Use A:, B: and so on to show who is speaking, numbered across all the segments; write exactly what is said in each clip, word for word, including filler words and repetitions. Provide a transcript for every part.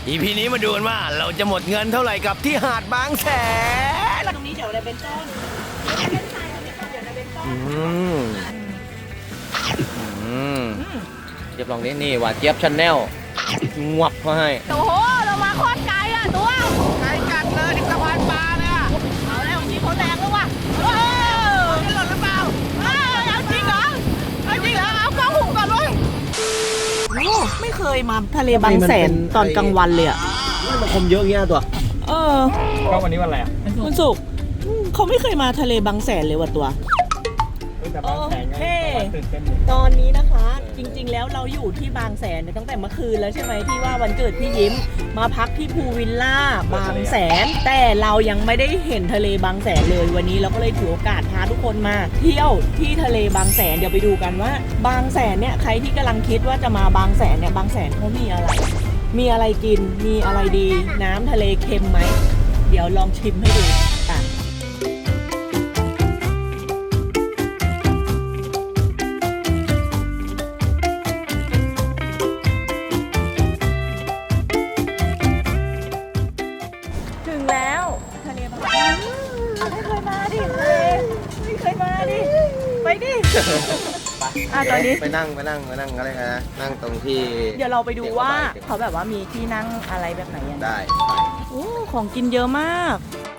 A: อี พี นี้มาดูกันว่าเราจะหมดเงินเท่าไหร่กับที่หาดบางแสน
B: ตรงนี้เดี๋ยวอะไรเป็นต้น
A: อืมอืมเจี๊ยบลองนี้นี่หวานเจี๊ยบชาแนลงวบเขาให้
B: โอ้โหเรามาโคตรไกลอ่ะตัวไกลจัดเลยที่สะพานปลาเลยอ่ะเอาแล้วทีเขาแรงแล้วว่ะเออจะหล่นหรือเปล่าเออเอาจริงเหรอเอาจริงเหรอเอากล้องหุบก่อนเลยไม่เคยมาทะเลบางแสนตอนกลางวันเลยอ่ะ
A: มันคมเยอะเงี้ยตัว
B: เออ
C: ก็วันนี้วันอะไรอ่ะ
B: วันศุกร์เขาไม่เคยมาทะเลบางแสนเลยว่ะตัวโอเคตอนนี้นะคะจริงๆแล้วเราอยู่ที่บางแสนตั้งแต่เมื่อคืนแล้วใช่ไหมที่ว่าวันเกิดพี่ยิ้มมาพักที่พูวิลล่าบางแสนแต่เรายังไม่ได้เห็นทะเลบางแสนเลยวันนี้เราก็เลยถือโอกาสพาทุกคนมาเที่ยวที่ทะเลบางแสนเดี๋ยวไปดูกันว่าบางแสนเนี่ยใครที่กำลังคิดว่าจะมาบางแสนเนี่ยบางแสนเขามีอะไรมีอะไรกินมีอะไรดีน้ำทะเลเค็มไหมเดี๋ยวลองชิมให้ดูกันถึงแล้วทะเลบางแสนไม่เคยมาดิทะเลไม่เคยมาดิไปดิอ่ะตอนนี้
A: ไปนั่งไปนั่งไปนั่งอะไรนะนั่งตรงที่
B: เดี๋ยวเราไปดูว่าเขาแบบว่ามีที่นั่งอะไรแบบไหนยัง
A: ได้
B: โอ้ของกินเยอะมาก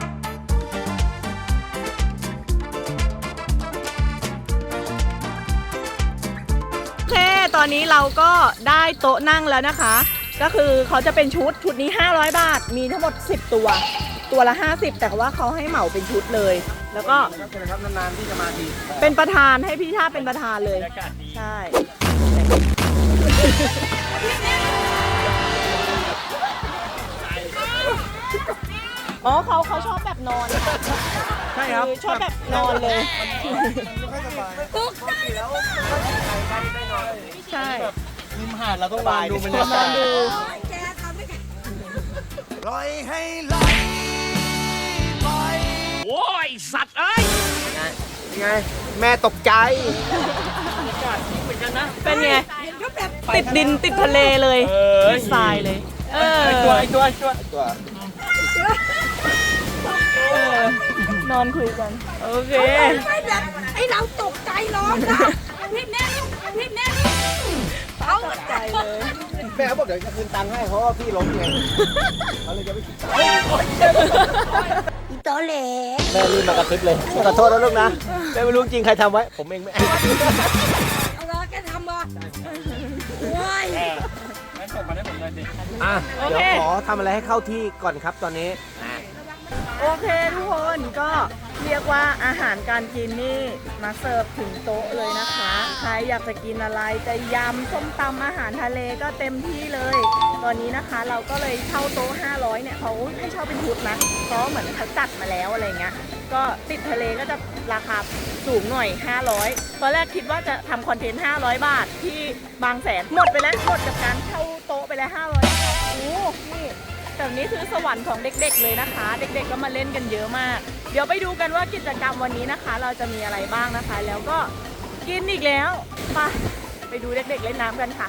B: โอเคตอนนี้เราก็ได้โต๊ะนั่งแล้วนะคะก็คือเขาจะเป็นชุดชุดนี้ห้าร้อยบาทมีทั้งหมดสิบตัวตัวละห้าสิบแต่ว่าเขาให้เหมาเป็นชุดเลยแล้วก็
A: ครับนานๆที่จะมาที
B: เป็นประธานให้พี่ท่าเป็นประธานเลยใช่อ๋อเขาเขาชอบแบบนอน
A: ใช่ครับ
B: ชอบแบบนอนเลย
A: ตุ๊กใจแล้ว
B: ใช่
A: ริมหาดเราต้องนอนดูมันจะ
B: นอนดู
A: ปล่อยให้ไหลไปโอ้ยสัตว์เอ้ยยังไงแม่ตกใจ
B: เหมือนกันนะเป็นไงติดดินติดทะเลเลยติดทรายเลยเออ
C: ไอตัวไอตัวไอตัว
A: ตั
B: วนอนคุยกันโอเค
D: ไอเราตกใจร้องนะพี่แน่พี่แน่
B: เขาตกใจเลย
A: แม่เขาบอกเดี๋ยวจะคืนตังค์ให้เพราะว่าพี่ล้มไงเขาเลยจะไม่คิดตังค์
D: อีโตเล่
A: แม่รีบมากระซิบเลยขอโทษนะลูกนะแม่ไม่รู้จริงใครทำไว้ผมเองแม่
D: เอาละแกทำบ่โอ้ย
C: งั้นส่งมาได้ผมเลยดิ
A: อ่ะเดี๋ยวขอทำอะไรให้เข้าที่ก่อนครับตอนนี้
B: โอเคทุกคนก็เรียกว่าอาหารการกินนี่มาเสิร์ฟถึงโต๊ะเลยนะคะใครอยากจะกินอะไรจะยำส้มตำอาหารทะเลก็เต็มที่เลยตอนนี้นะคะเราก็เลยเช่าโต๊ะห้าร้อยเนี่ยเขาให้เช่าเป็นชุดนะเพราะเหมือนเขาจัดมาแล้วอะไรเงี้ยก็ติดทะเลก็จะราคาสูงหน่อยห้าร้อยตอนแรกคิดว่าจะทำคอนเทนต์ห้าร้อยบาทที่บางแสนหมดไปแล้วหมดกับการเช่าโต๊ะไปแล้วห้าร้อยโอ้นี่แบบนี้คือสวรรค์ของเด็กๆเลยนะคะเด็กๆก็มาเล่นกันเยอะมากเดี๋ยวไปดูกันว่ากิจกรรมวันนี้นะคะเราจะมีอะไรบ้างนะคะแล้วก็กินอีกแล้วไปไปดูเด็กๆเล่นน้ำกันค่ะ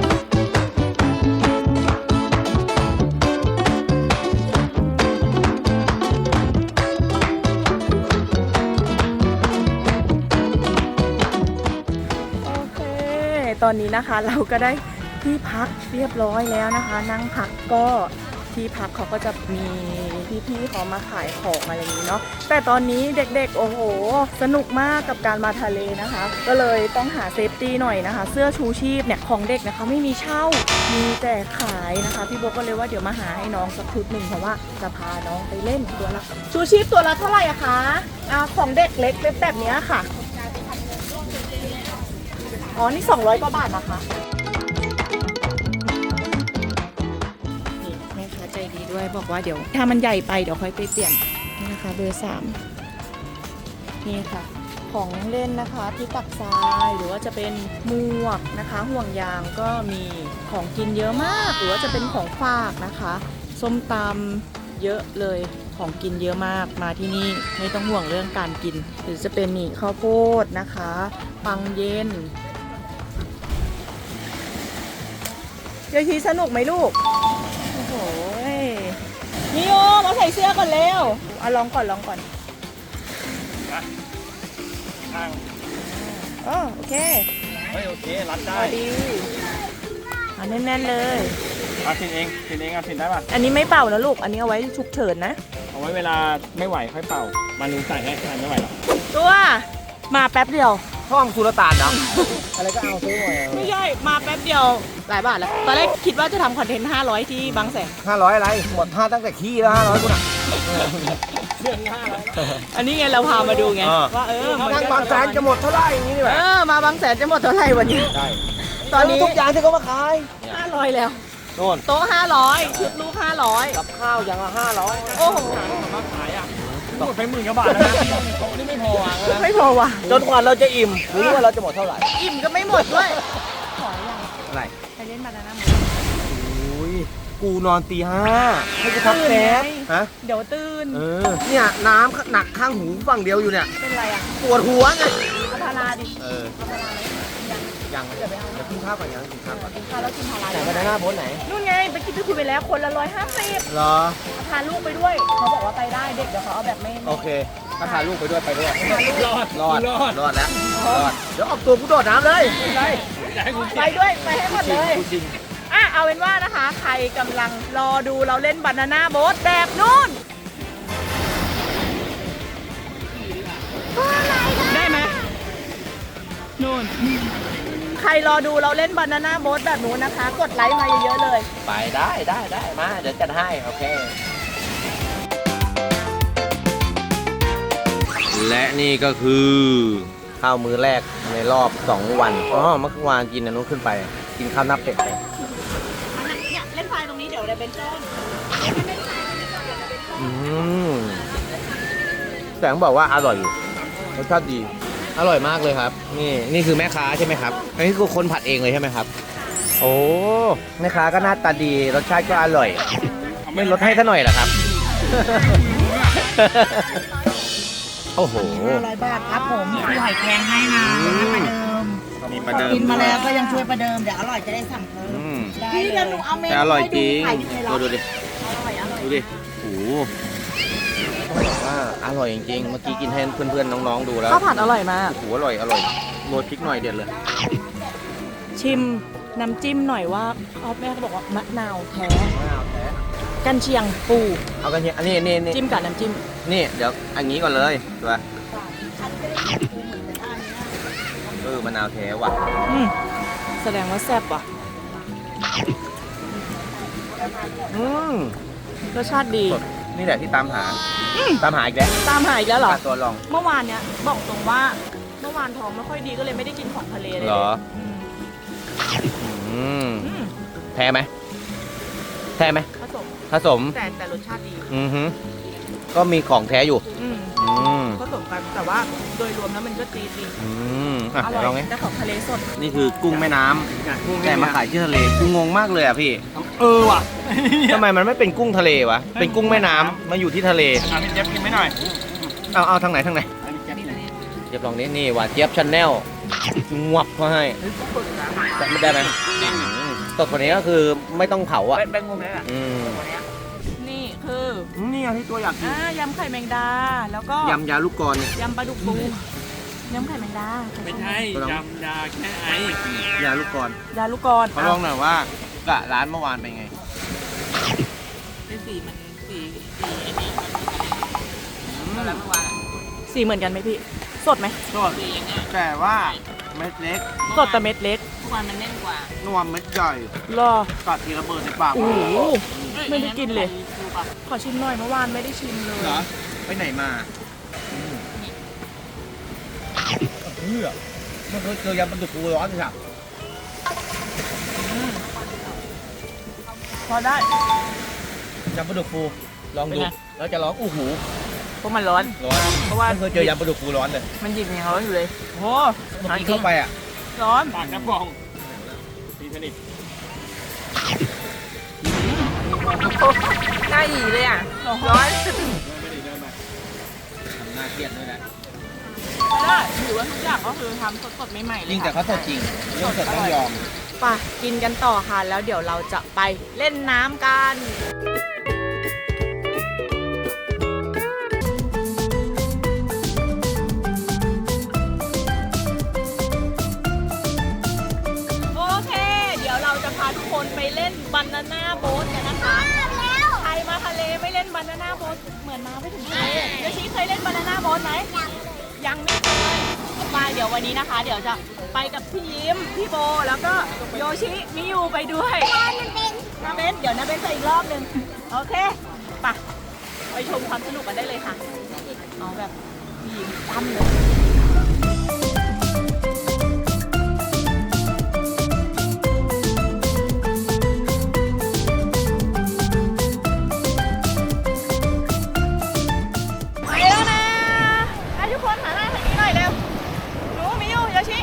B: โอเคตอนนี้นะคะเราก็ได้ที่พักเรียบร้อยแล้วนะคะนั่งพักก็ที่พักเขาก็จะมีพี่ๆเขามาขายของอะไรอย่างนี้เนาะแต่ตอนนี้เด็กๆโอ้โหสนุกมากกับการมาทะเลนะคะก็เลยต้องหาเซฟตี้หน่อยนะคะเสื้อชูชีพเนี่ยของเด็กนะคะไม่มีเช่ามีแต่ขายนะคะพี่โบก็เลยว่าเดี๋ยวมาหาให้น้องสักชุดหนึ่งเพราะว่าจะพาน้องไปเล่นตัวละชูชีพตัวละเท่าไหร่อะคะอ่าของเด็กเล็กแบบนี้ค่ะอ๋อนี่สองร้อยกว่าบาทนะคะใจดีด้วยบอกว่าเดี๋ยวถ้ามันใหญ่ไปเดี๋ยวค่อยไปเปลี่ยนนี่นะคะเบอร์สามนี่ค่ะของเล่นนะคะที่ตักทรายหรือว่าจะเป็นหมวกนะคะห่วงยางก็มีของกินเยอะมากหรือว่าจะเป็นของฝากนะคะส้มตำเยอะเลยของกินเยอะมากมาที่นี่ไม่ต้องห่วงเรื่องการกินหรือจะเป็นนี่ข้าวโพดนะคะปังเย็นยายทีสนุกไหมลูกโอ้โหก่อนเร็วเอาลองก่อนลองก่อน
C: ข้าง
B: อ๋อโอเค
C: เฮ้ยโอเค รัด
B: พ
C: ได้
B: อดีเอาแน่นๆเลย
C: เอาสินเองสินเองเอาสินได้ป่ะ
B: อันนี้ไม่เป่านะลูก อันนี้เอาไว้ฉุกเฉินนะ
C: เอาไว้เวลาไม่ไหวค่อยเป่า มานูใส่ให้ใครไม่ไหวหรอก
B: ตัวมาแป๊บเดียว
A: ห้องสุลต่านเนาะอะไรก็เอาซื้อหมด
B: ไม่ใช่ มาแป๊บเดียวหลายบาทแล้ว ตอนแรกคิดว่าจะทำคอนเทนต์ห้าร้อยที่บางแสน
A: ห้าร้อยอะไรหมดห้าตั้งแต่ขี้แล้วห้าร้อยกูน่ะ
C: เรื่องห้าแล้ว
B: อันนี้ไงเราพามาดูไง
A: อ่า
B: ว่าเออมัน
A: ทางบางแสนจะหมดเท่าไหร่อย่างนี้นี่แห
B: เอ
A: ละ
B: อมาบางแสนจะหมดเท่าไหร่วันนี้
A: ได้
B: ตอนนี้
A: ทุกอย่างที่เขามาขาย
B: ห้าร้อยแล้ว
A: โน่น
B: โต๊ะห้าร้อยชุดลูกห้าร้อย
A: กับข้าวอย่างละห้าร้อย
B: โอ้โห
C: มาขายอ่ะหมดไปหมื่นกว่าบาทแล้วนะโต๊ะนี่ไม่พออ่ะ
B: ไม่พอว่ะ
A: จนกว่าเราจะอิ่มหรือว่าเราจะหมดเท่าไหร่
B: อิ่มก็ไม่หมดด้วยขออย่าง
A: อะไร
B: ไปเล่นบานาน่าโม
A: โอ้ยกูนอนตีห้าให้กูพักแป๊บฮะ
B: เดี๋ยวตื่น
A: เออเนี่ยน้ำหนักข้างหูฝั่งเดียวอยู่เนี่ย
B: เป็นไรอ่ะ
A: ปวดหัวไง
B: เอาพาราดิ
A: เออ
B: เอาพาราเลยยัง
A: ยังเดี๋ยวกินข้าวก่อนยังกินข้าวก่อน
B: กินข้าวแล้วกินพารา
A: ไหนวันหน้าโพสไหน
B: นู่นไงไปกินไปคุยไปแล้วคนละร้อยห้าสิบ
A: เหรอ
B: พาลูกไปด้วย เขาบอกว่าไปได้เด็กเดี๋ยวเขาเอาแบบไม่
A: โอเค ถ้าพาลูกไปด้วยไปด้วย
C: รอด
A: รอด
C: รอด
A: รอดแล้ว รอด เดี๋ยวออกตัวกูโดดน้ำเลย
C: อยากให้คุณ
B: ไปด้วยไปให้หมดเลย
A: จริง
B: อ่ะเอาเป็นว่านะคะ ใครกำลังรอดูเราเล่นบานาน่าโบ๊ทแบบนู่นได้ไหมนู่นใครรอดูเราเล่นบานาน่าโบ๊ทแบบนู้นนะคะ กดไลค์มาเยอะๆเลย
A: ไปได้ได้ได้มา เดี๋ยวจัดให้ โอเค และนี่ก็คือข้าวมื้อแรกในรอบสองวัน อ๋อ เมื่อวานกินอันนู้นขึ้นไป กินข้าวหน้าเป็ดไป
B: เนี่ยเล่นไฟตรงนี้เดี๋ยวได้เป็นโจน
A: อืมแต่ต้องบอกว่าอร่อยอยู่ รสชาติดี อร่อยมากเลยครับ นี่นี่คือแม่ค้าใช่ไหมครับ อันนี้คือคนผัดเองเลยใช่ไหมครับ โอ้ แม่ค้าก็หน้าตาดี รสชาติก็อร่อย ไม่ลดให้ซะหน่อยเหรอครับ โอ้โห
D: ห้าร้อยบาทครับผมมีหอยแครงให้นะประเดิม
A: มีประเดิม
D: กินมาแล้วก็ยังช่วยประเดิม เดี๋ยวอร่อยจะได้สั่งเพิ่ม
A: อืม
D: พี่เดี๋ยวหนูเอาเมนู
A: แต่อร่อยจริง
D: ให้ดูขายดีเลยเหรอ
A: ดูดิ
D: อร่อยอร่อย
A: ดูดิ โอ้โหว่าอร่อยจริงๆ เมื่อกี้กินให้เพื่อนๆ น้องๆ ดูแล้ว
B: ข้าวผัดอร่อยมาก
A: โอ้โหอร่อย อร่อยโรยพริกหน่อยเด็ดเลย
B: ชิมน้ำจิ้มหน่อยว่าเขาแม่เขาบอกว่ามะนาวแท้
A: มะนาวแท้
B: กันเชียงปู
A: เอากันเนี่ยอันนี้นี่นี่
B: จิ้มกับน้ำจิ้ม
A: นี่ เดี๋ยวอันนี้ก่อนเลยตัวเออมะนาวแท้ว่ะ
B: อืมแสดงว่าแซ่บว่ะ
A: อืม
B: รสชาติดี
A: สดนี่แหละที่ตามหา ตามหาอีกแล้ว
B: ตามหาอีกแล้วเหรอ
A: ปลาตัวลอง
B: เมื่อวานเนี้ยบอกตรงว่าเมื่อวานท้องไม่ค่อยดีก็เลยไม่ได้กินของทะเลเลย
A: เหรอ
B: อืม
A: อืม
B: อืม
A: แท้ไหมแท้ไหม
B: ผสม
A: ผสม
B: แต่แต่รสชาติดี
A: อือฮึก็มีของแท้อยู่
B: อืม
A: อืม
B: ผสมกันแต่ว่าโดยรวมแล้วมันก็ดีจริง
A: อืมอ่ะ
B: อ
A: เดี๋
B: ร่
A: ยวลอง
B: อ
A: ไง
B: ยแต่ของทะเลสด
A: นี่คือกุ้งแม่น้ำแต่มาขายที่ทะเลกูงงมากเลยอ่ะพี่
C: เออว่ะ
A: ทำไมมันไม่เป็นกุ้งทะเลวะ เป็นกุ้งแม่น้ำมาอยู่ที่ทะเล
C: อ่ะพี่เจี๊ยบกินไม่หน่อย
A: เอาเอาทางไหนทางไหน
C: อันนี้เจี๊ยบนี่
A: เจี๊ยบลองนี้นี่หวานเจี๊ยบชาแนลงวบเขาให้จะไม่ได้ไหมอืมสดกว่านี้ก็คือไม่ต้องเผาอ่ะ
C: เป็นงงเลยอ่ะ
A: อืม
B: นี่คือ
A: นี่ไงที่ตัวอยากกิน
B: อ่ายำไข่แมงดา แล้วก็
A: ยำยาลูกกรอนเนี่ย
B: ยำปลาดุกปูยำไข่แมงดา
C: ไม่ใช่ยำยาแค่ไอย
A: าลูกกรอน
B: ยาลูกกรอน
A: เขาลองหน่อยว่ากะร้านเมื่อวานเป็นไง
B: เป็นสีมันสีสีไอ้นี่แล้วเมื่อวานสีเหมือนกันไหมพี่ สดไหม
A: สดแต่ว่าเม็ดเล็ก
B: สดแต่เม็ดเล็ก
A: นวมเม็ดใหญ่
B: รอ
A: กัดทีระเบิดในปาก
B: โอ้โหไม่ได้กินเลย ขอชิมหน่อยเมื่อวานไม่ได้ชิมเลย
A: เหรอไปไหนมาเพื่อมันเคยเจอยำปลาดุกฟูร้อนสิครับ
B: พอได้
A: ยำปลาดุกฟูลองดู
B: เป็นไง
A: แล้วจะร้องอู้หู
B: เพราะมันร้อน
A: ร้อน
B: เพราะว่า
A: ไม่เคยเจอยำปลาดุกฟูร้อนเลย
B: มันหยิบอย่างร้อนอยู่เลยโอ้
A: เมื่อกี้เข้าไปอ่ะ
B: ร้อน
C: ปากน้ำบองตีสนิท
B: น่าอีเลยอ่ะ ร้อน
C: ไม่ได้เดินไป
A: ทำหน้าเครียดด้วยนะ
B: ไม่ได้ถือว่าทุกอย่างก็คือทำสดๆใหม่ๆเลย
A: จริงแต่
B: ค่ะ
A: เขาสดจริงเรื่องสดต้องยอม
B: ไปกินกันต่อค่ะ แล้วเดี๋ยวเราจะไปเล่นน้ำกันนาน่าโบ๊ทกันนะคะใครมาทะเลไม่เล่นบานาน่าโบ๊ทเหมือนมาไม่ถึงทะเลโยชิเคยเล่นบานาน่าโบ๊ทไหมยังไม่เคยมาเดี๋ยววันนี้นะคะ เดี๋ยวจะไปกับพี่ยิ้มพี่โบแล้วก็โยชิมิยูไปด้วยนาเบนเดี๋ยวนาเบนจะอีกรอบหนึ่งโอเคไปไปชมความสนุกกันได้เลยค่ะเอาแบบพี่ยิ้มตั้มเลย ไปแล้วนะให้ทุกคนหันหน้าทางนี้หน่อยเร็วหนูมิยูโยชิ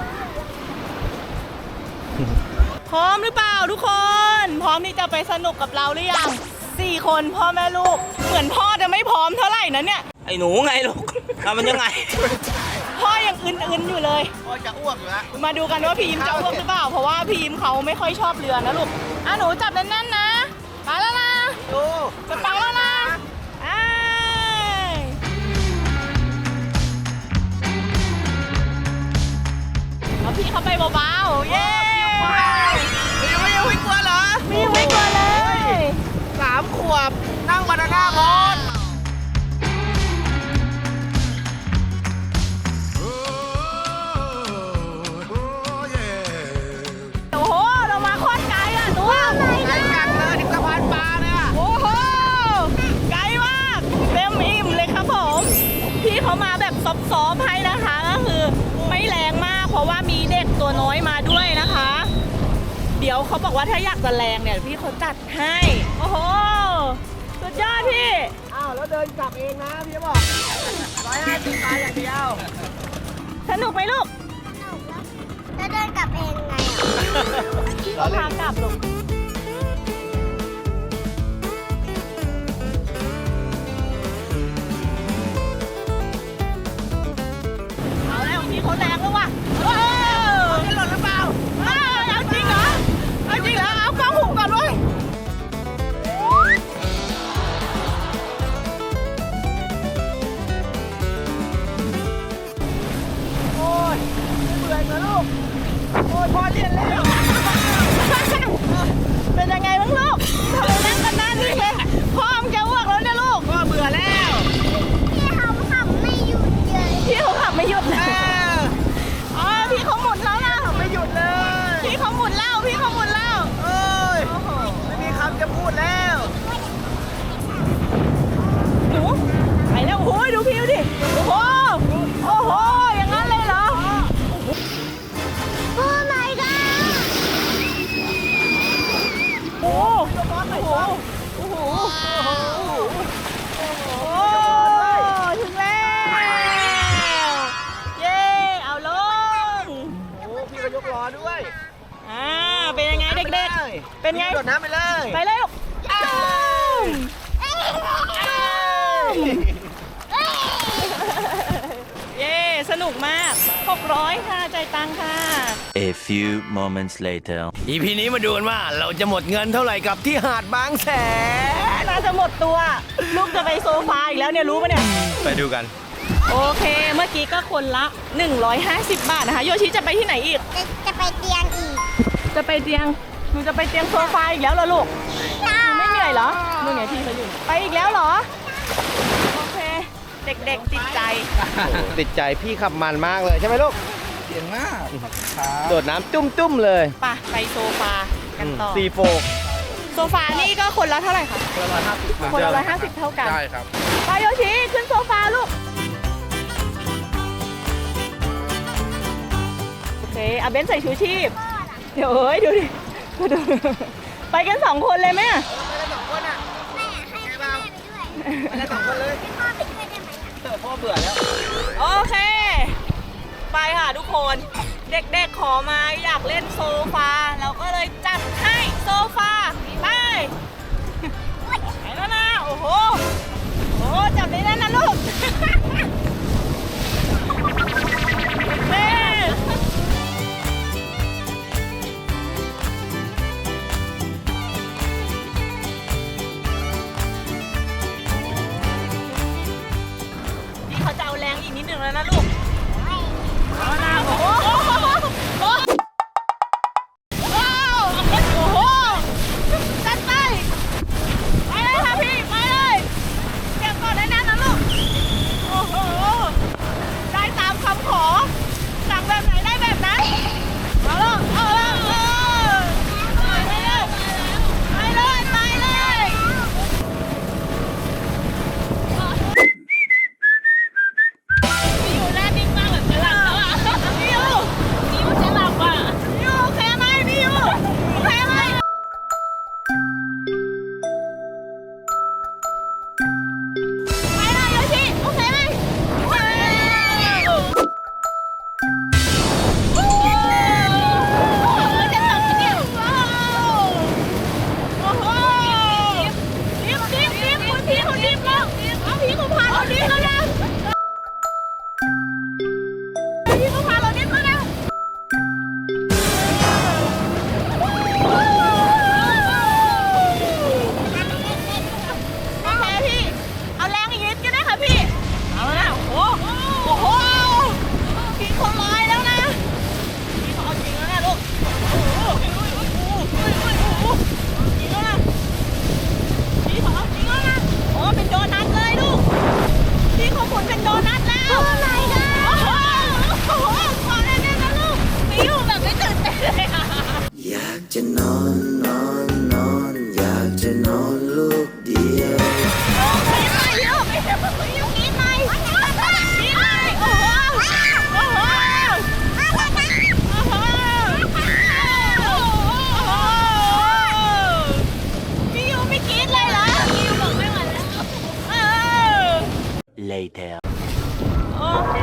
B: พร้อมหรือเปล่าทุกคน พร้อมที่จะไปสนุกกับเราหรือยังสี่คนพ่อแม่ลูก เหมือนพ่อจะไม่พร้อมเท่าไหร่นะเนี่ย
A: ไอ้หนูไงลูกทำมันยังไง
B: พ่อยังอึนๆอยู่เลย
A: พ่อจะอ้วกอยู่แล้ว
B: มาดูกันว่าพีมจะอ้วกหรือเปล่า เพราะว่าพีมเขาไม่ค่อยชอบเรือนะลูก อ่ะหนูจับแน่นๆนะไปแล้วนะ
A: ดู
B: จะไปแล้วนะอ้ายเอาพี่เข้าไปเบาๆ เย้
A: มีไม่ยังไม่กลัวเหรอ
B: มีไม่กลัวเลย
A: สามขวบนั่งบานาน่าโบ๊ท
B: โอ้โห เรามาโคตรไกลอ่ะตัว
A: ไกลจังเลยถึงสะพานปลาเนี่ย
B: โอ้โห ไกลมาก เต็มอิ่มเลยครับผม พี่เขามาแบบซอฟๆให้นะคะ ก็คือไม่แรงมาก เพราะว่ามีเด็กตัวน้อยมาด้วยนะคะ เดี๋ยวเขาบอกว่าถ้าอยากจะแรงเนี่ยพี่เขาจัดให้ โอ้โห สุดยอดพี่
C: อ้าวแล้วเดินกลับเองนะพี่บอกร้อยห้าสิบบาทอย่างเดียว
B: สนุกไหมลูก
D: แล้วเดินกลับเองไง
B: พี่เขาพากลับลูก เอาแล้วพี่เขาแรงแล้วว่ะเออจะหล่นหรือเปล่าเออเอาจริงเหรอ เอาจริงเหรอ เอากล้องหุบก่อนด้วยโอ้ยเบื่อนะลูก โอ้ยพอเรียนแล้ว เป็นยังไงบ้างลูกทำไมนั่งกันนานนี่เลยพ่อมนจะอ้วกแล้วเนี่ยลูก
A: ก็เบื่อแล้ว
D: พี่เขาขับไม่หยุดเลย
B: พี่เขาขับไม่หยุดเล
A: เอย อ
B: อ๋อพี่เขาหมุนแล้วนะ
A: ไม่หยุดเลย
B: พี่เขาหมุนแล้วพี่เขาหมุนแล้ว
A: เอ้ย
B: โอ้โห
A: ไม่มีคำจะพูดแล้ว
B: หนูไปแล้วโอ้ยดูพิวดิโอ้โหโอ้โหอย่างนั้นเลยเหรอ
D: โอ้ my god
B: โอ้โหโอ้โหโอ้โหโอ้ถึงแล้วเย้เอาลง
A: โอ้พี่ก็ยกล้อด้วย
B: อ่าเป็นยังไงเด็กๆเป็นไง
A: โดดน้ำไปเลย
B: ไปเลยลูกอ้าวเย้สนุกมากหกร้อยค่ะจ่ายตังค่ะ
E: A few moments later.
A: อีพีนี้มาดูกันว่าเราจะหมดเงินเท่าไหร่กับที่หาดบางแสน
B: น่าจะหมดตัว ลูกจะไปโซฟาอีกแล้วเนี่ยรู้ปะเนี่ย
A: ไปดูกัน
B: โอเค เมื่อกี้ก็คนละ หนึ่งร้อยห้าสิบ บาทนะคะ โยชิจะไปที่ไหนอีก
D: จะจะไปเตียงอีก
B: จะไปเตียง หนูจะไปเตียงโซฟาอีกแล้วเหรอลูก หนูไม่เหนื่อยเหรอนู่นไงพี่เขาอยู่ ไปอีกแล้วเหรอ โอเค เด็กๆติดใจ
A: ติดใจพี่ขับมันมากเลยใช่ไหมลูก
C: เก่งมาก
A: โดดน้ำจุ้มๆเลย
B: ไปไปโซฟากันต่อ
A: ซีโฟก
B: โซฟานี่ก็คนละเท่าไหร่คะ
C: คนละร้อยห้าสิบ
B: คนละร้อยห้าสิบเท่ากัน
C: ได้ครับ
B: ไปโยชิขึ้นโซฟาลูก โอเคอาเบนใส่ชูชีพ เดี๋ยวเอ้ยดูดิดูไปกันสองคนเลยไหมอะ
D: แม่ให้แม่ไปด้วย
A: ไปแล้วสองคนเลย
D: ให้พ่อไปด้วยได้ไหมอะ
A: เออพ่อเบื่อแล้ว
B: โอเค ไปค่ะทุกคน เด็กๆขอมาอยากเล่นโซฟา เราก็เลยจัดให้โซฟา ไป ไปแล้วนะ โอ้โห โอ้จับได้แน่นนะลูกเฮ้พี่เขาจะเอาแรงอีกนิดหนึ่งแล้วนะลูกเอานะโอ้โหโอ้โหโอ้โห
E: later.
B: โอเค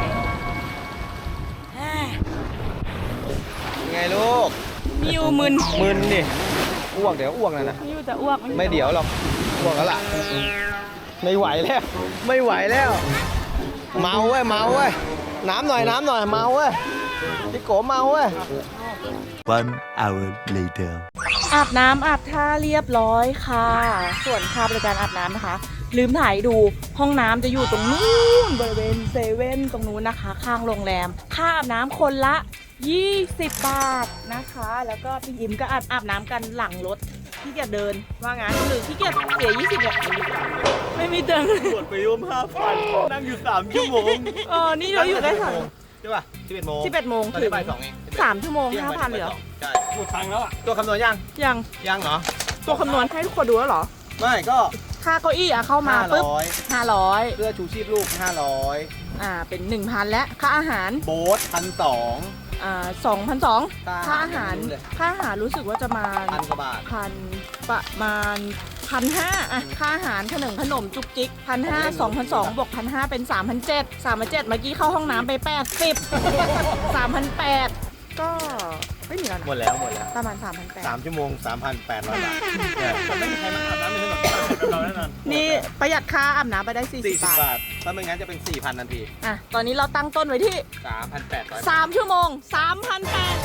A: ไงลูก
B: มิวมึน
A: มึนดิอ้วกเดี๋ยวอ้วกนะนะ
B: มิวจะอ้วก
A: ไม่เดี๋ยวหรอกอ้วกแล้วล่ะไม่ไหวแล้วไม่ไหวแล้ว เมาเว้ยเมาเว้ยน้ำหน่อยน้ำหน่อยเมาเว้ยพี่โกเมาเว้ย
E: One hour later.
B: อาบน้ำอาบท่าเรียบร้อยค่ะ ส่วนค่าบริการอาบน้ำนะคะ ลืมถ่ายดูห้องน้ำจะอยู่ตรงนู้นบริเวณเซเว่นตรงนู้นนะคะ ข้างโรงแรม ค่าอาบน้ำคนละ ยี่สิบบาทนะคะ แล้วก็พี่ยิ้มก็อาบอาบน้ำกันหลังรถที่เกียจเดินว่างั้นหรือที่เกียจเสียยี่สิบเนี่ยไม่มีเดิน
A: ตรวจไปร่วมห้าพันนั่งอยู่สามชั่วโมง
B: เออนี่เราอยู่ได้สาม
A: ใช่ป่ะสิบเอ็ดโมง
B: สิบเอ็ดโมง
A: ตอน
B: ถึ
A: นี้
B: ง
A: บ่ายสองเอง
B: สามชั่วโมงห้าพันเหรอ
A: ใช่
C: หมดตังค์แล้วอ่ะ
A: ตัวคำนวณยัง
B: ยัง
A: ยังเหรอ
B: ตัวคำนวณให้ทุกคนดูแล้วเหรอ
A: ไม่ก็
B: ค่าเก้าอี้อะเข้ามา
A: ห้า
B: ปุ๊บ
A: ร้อย
B: ห้าร้อย
A: เสื้อชูชีพลูกห้าร้อย
B: อ่าเป็นหนึ่งพันและค่าอาหาร
A: โบ๊ทพันสอง
B: อ่าสองพันสอง
A: ค่า
B: ค่าอาหาร
A: ไม่รู้เลย
B: ค่าอาหารรู้สึกว่าจะมา
A: พันกว่าบาท
B: พันประมาณพันห้าอะค่าอาหารขนมขนมจุกจิกพันห้าสองพันสองบวกพันห้าเป็นสามพันเจ็ดสามพันเจ็ดเมื่อกี้เข้าห้องน้ำไปแปดสิบสามพันแปดก็ไม่มีแล้ว
A: หม
B: นะ
A: ดแล้วหมดแล้ว
B: ประมาณสามพันแปด
A: สามชั่วโมงสามพันแปดร้อยบาทเนี่ย
C: แต่ไม่มีใครมาอาบน้ำในที่แบบเราแน่นอน
B: นี่ประหยัดค่าอาบน้ำไปได้สี่สิ
A: สี่
B: บ
A: สิบบ
B: าท
A: บาทถ้าไม่งั้นจะเป็นสี่พันทันที
B: อ่ะตอนนี้เราตั้งต้นไว้ที่
A: สามพันแปดร้อย
B: สามชั่วโมงสามพันแปด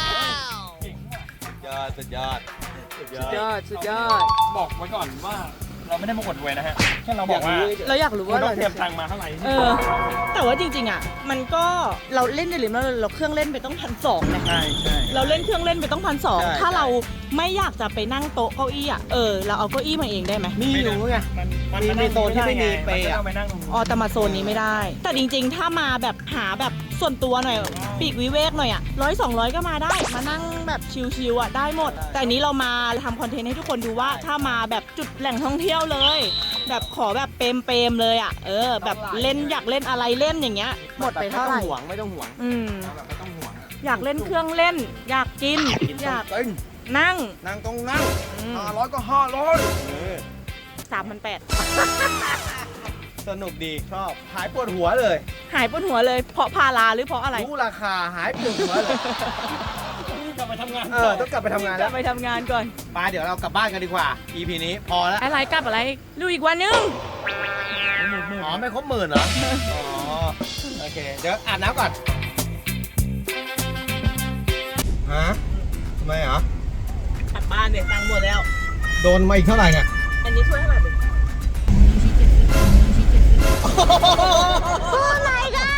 A: ยอดสุดยอดสุดย
B: สุ
A: อ
B: ด
A: ด
B: ยอดสุดยอด
C: บอกไว้ก่อนว่าเราไม่ได้มาอวดรวยนะฮะแค่เราบอกว่า
B: เราอยากรู้
C: คุ
B: ว่า
C: ณต้อ
B: เรา
C: งเตรียมตังค์มาเท่าไหร่
B: เออ แต่ว่าจริงๆอ่ะ มันก็เราเล่นในลิมเราเราเครื่องเล่นไปต้องพันสองนะ
C: ใช่ใช่
B: เราเล่นเครื่องเล่นไปต้องพันสองถ้าเราไม่อยากจะไปนั่งโต๊ะเก้าอี้อ่ะเออเราเอาเก้าอี้มาเองได้ไหม
A: มีอยู่ไง
C: มัน
A: มีมีโซนที่ไม่มีเปย์อะ
C: มันก็ต้องไปนั่งตรงนู้น
B: อ๋อแต่มาโซนนี้ไม่ได้ แต่จริงๆ ถ้ามาแบบหาแบบส่วนตัวหน่อยปีกวิเวกหน่อยอ่ะร้อยสองร้อยก็มาได้มานั่งแบบชิลๆอ่ะได้หมด แต่อันนี้เรามาทำคอนเทนต์ให้ทุกคนดูว่าถ้ามาแบบจุดแหล่งท่องเที่ยวเลย แบบขอแบบเปรมเปรมๆเลยอ่ะเออ แบบเล่นอยากเล่นอะไรเล่นอย่างเงี้ยหมดไปเท่าไหร่
A: ไม่ต้องห่วงไม่ต้องห่วง
B: อืม
A: แบบไม่ต้องห่วง
B: อยากเล่นเครื่องเล่น อยากกิน อยาก
A: ตึ้ง
B: นั่ง
A: นั่งตรงนั่งห้าร้อยก็ห้าร้อย
B: สามพันแปด
A: สนุกดีชอบหายปวดหัวเลย
B: หายปวดหัวเลยเพราะพาราหรือเพราะอะไร
A: รู้ราคาหายปวดหัวเลย
C: กลับไปทำงาน
A: เออต้องกลับไปทำงาน
B: จะ
A: แล้ว
B: ไปทำงานก่อน
A: ไปเดี๋ยวเรากลับบ้านกันดีกว่า อี พี นี้พอแล้ว
B: อะไรกลับอะไรดูอีกวันนึง
A: อ๋อไม่ครบหมื่นเหรอ อ๋อ โอเค เดี๋ยวอาบน้ำก่อน ฮะทำไมเหรอ
B: กลับบ้านเนี่ยตังค์หมดแล้ว
A: โดนมาอีกเท่าไหร่เนี่ย
B: อันนี้ช่วยเท่าไหร่บุ๊คโอ้ my god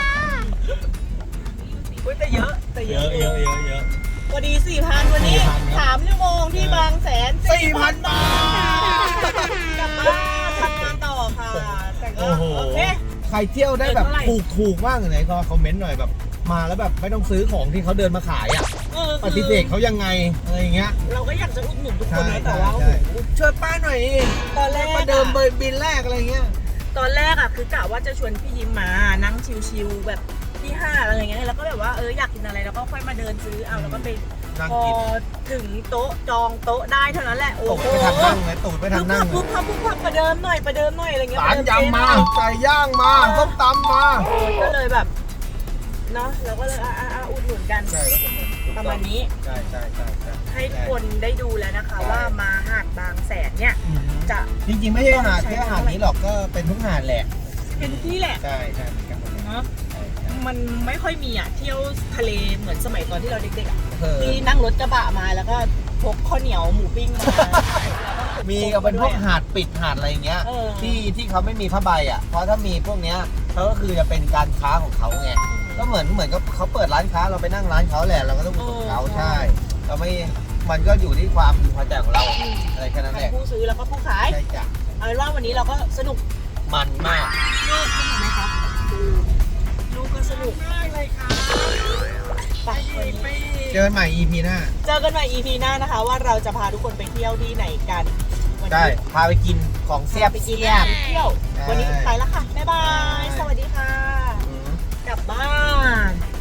B: อุ้ยแต่เยอะแต่เย
A: เย
B: อะ
A: อะเยอะเยอะเยอะ
B: พอดีสี่พันวันนี้
A: สี่พันครับ
B: สามชั่วโมงที่บางแสน
A: สี่พันบาท
B: กลับบ้านทำงานต่อค่ะ แต่ก็
A: โอ้โห
B: โอเค
A: ใครเที่ยวได้แบบ
B: เออเท่าไหร่
A: ถูกถูกๆบ้างไหนก็คอมเมนต์หน่อยแบบ มาแล้วแบบไม่ต้องซื้อของที่เขาเดินมาขายอ่ะ
B: เออ
A: ป
B: คือ
A: ฏิเสธเขายังไง อะไรอย่างเงี้ย
B: เราก็อยากจะอุดหนุนทุกค
A: ใช่
B: นนะแต่
A: ใช่
B: ว่าโอ้
A: ใช่
B: โห
A: ช่วยป้าหน่อย
B: ตอนแรก
A: ประเดิมเบอร์บินแรกอะไรเงี้ย
B: ตอนแรกอะคือกะว่าจะชวนพี่ยิ้มมานั่งชิวๆแบบที่ห้าอะไรอย่างเงี้ยแล้วก็แบบว่าเอออยากกินอะไรแล้วก็ค่อยมาเดินซื้อเอาแล้วก็ไป
A: นั่ง
B: พอ
A: กิน
B: ถึงโต๊ะจองโต๊ะได้เท่านั้นแหละโอ้
A: ตก
B: โห
A: ไปทางนั่งเลยตูดไปทางนั่ง
B: ปุ๊บพับปุ๊บพับประเดิมหน่อยประเดิมหน่อยอะไรเงี้ย
A: สาร
B: ประเดิ
A: ยำมา
B: เจ๊หน่อย
A: ไก่ย่างมาส้มตำมา
B: เออก็เลยแบบเนาะเราก็เลยอ่ะอ่ะอ่ะอุดหนุนกัน
A: ใช่ครับผม
B: ประมาณนี้
A: ใช่ใช่ใช่ใช่
B: ให้คนได้ดูแล้วนะคะ ว่ามาหาดบางแสนเนี่ย
A: อืม
B: จะ
A: จริงๆไม่ใช่หาดแค่หาดนี้หรอกก็เป็นทุกหาดแหละ
B: เป็นที่แหละ
A: ใช่ใช่เหมือนกันหมดเลย
B: เนาะ
A: ใช่ใช่
B: มันไม่ค่อยมีอ่ะเที่ยวทะเลเหมือนสมัยตอนที่เราเด็กๆอ่ะ
A: เออ
B: ที่นั่งรถกระบะมาแล้วก็พกข้าวเหนียวหมูปิ้งมา
A: มีเอาเป็นพวกหาดปิดหาดอะไรอย่างเงี้ย
B: เออ
A: ที่ที่เขาไม่มีผ้าใบอ่ะเพราะถ้ามีพวกเนี้ยเขาก็คือจะเป็นการค้าของเขาไงก็เหมือนเหมือนกับเขาเปิดร้านค้าเราไปนั่งร้านเขาแหละเราก็ต้องอุดหนุนเขาใช่เราไม่มันก็อยู่ที่ความพึงพอใจของเราอะไรแค่นั้นแห
B: ทั้
A: ละ
B: งผู้ซื้อแล้วก็ผู้ขาย
A: ใช่จ้ะ
B: เอาเป็นว่าวันนี้เราก็สนุก
A: มันมาก
B: ลูกสนุกไหมครับลูกก็สนุกมากเลยค่ะไปวันนี้
A: เจอกันใหม่ อี พี หน้า
B: เจอกันใหม่ อี พี หน้านะคะ ว่าเราจะพาทุกคนไปเที่ยวที่ไหนกันวัน
A: ได้
B: นี้
A: พาไปกินของเสียบ
B: ไปกิน
A: เสียบ
B: ไปเที่ยว วันนี้ไปแล้วค่ะ บ๊ายบาย สวัสดีค่ะ
A: อืม
B: กลับบ้าน